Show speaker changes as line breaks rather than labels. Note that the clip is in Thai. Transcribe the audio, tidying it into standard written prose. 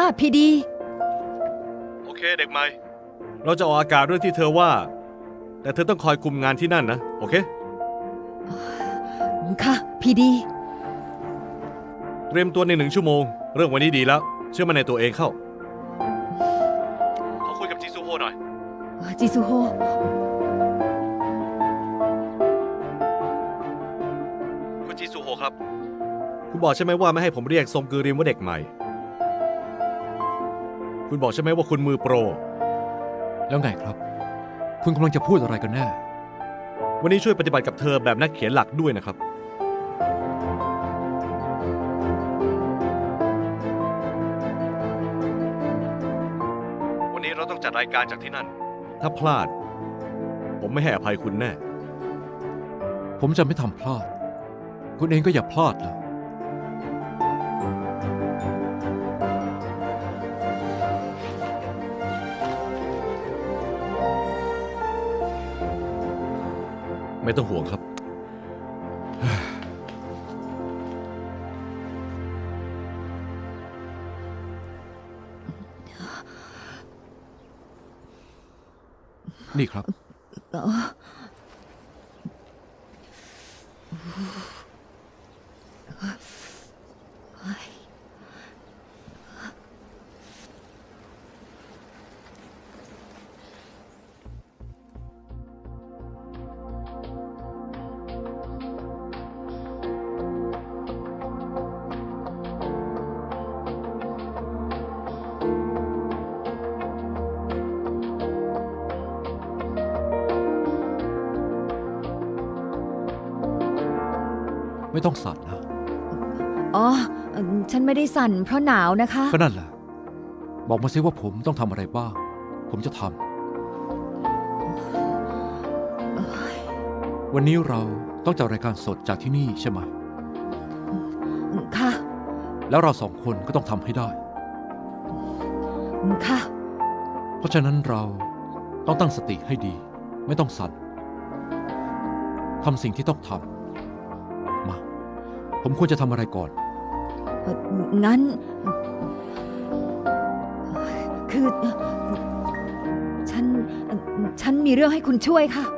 พี่ดี
โอเคเด็กใหม่เราจะออกอากาศเรื่องที่เธอว่าแต่เธอต้องคอยคุมงานที่นั่นนะโอเค
ค่ะพี่ดี
เตรียมตัวใน1 ชั่วโมงเรื่องวันนี้ดีแล้วเชื่อมั่นในตัวเองเข้าขอคุยกับจิซูโฮหน่อย
จิซูโฮ
คุณจิซูโฮครับคุณบอกใช่ไหมว่าไม่ให้ผมเรียกซงกือริมว่าเด็กใหม่คุณบอกใช่ไหมว่าคุณมือโปร
แล้วไงครับคุณกำลังจะพูดอะไรกันแน่
วันนี้ช่วยปฏิบัติกับเธอแบบนักเขียนหลักด้วยนะครับวันนี้เราต้องจัดรายการจากที่นั่นถ้าพลาดผมไม่ให้อภัยคุณแน่
ผมจะไม่ทำพลาดคุณเองก็อย่าพลาดเลย
ไม่ต้องห่วงครับ
นี่ครับไม่ต้องสั่นนะ
อ๋อฉันไม่ได้สั่นเพราะหนาวนะคะ
ก็นั่นแหละบอกมาซิว่าผมต้องทำอะไรบ้างผมจะทำวันนี้เราต้องจัดรายการสดจากที่นี่ใช่ไหม
ค่ะ
แล้วเรา2 คนก็ต้องทำให้ได้
ค่ะ
เพราะฉะนั้นเราต้องตั้งสติให้ดีไม่ต้องสั่นทำสิ่งที่ต้องทำมาผมควรจะทำอะไรก่อน
งั้นคือฉันมีเรื่องให้คุณช่วยค่ะ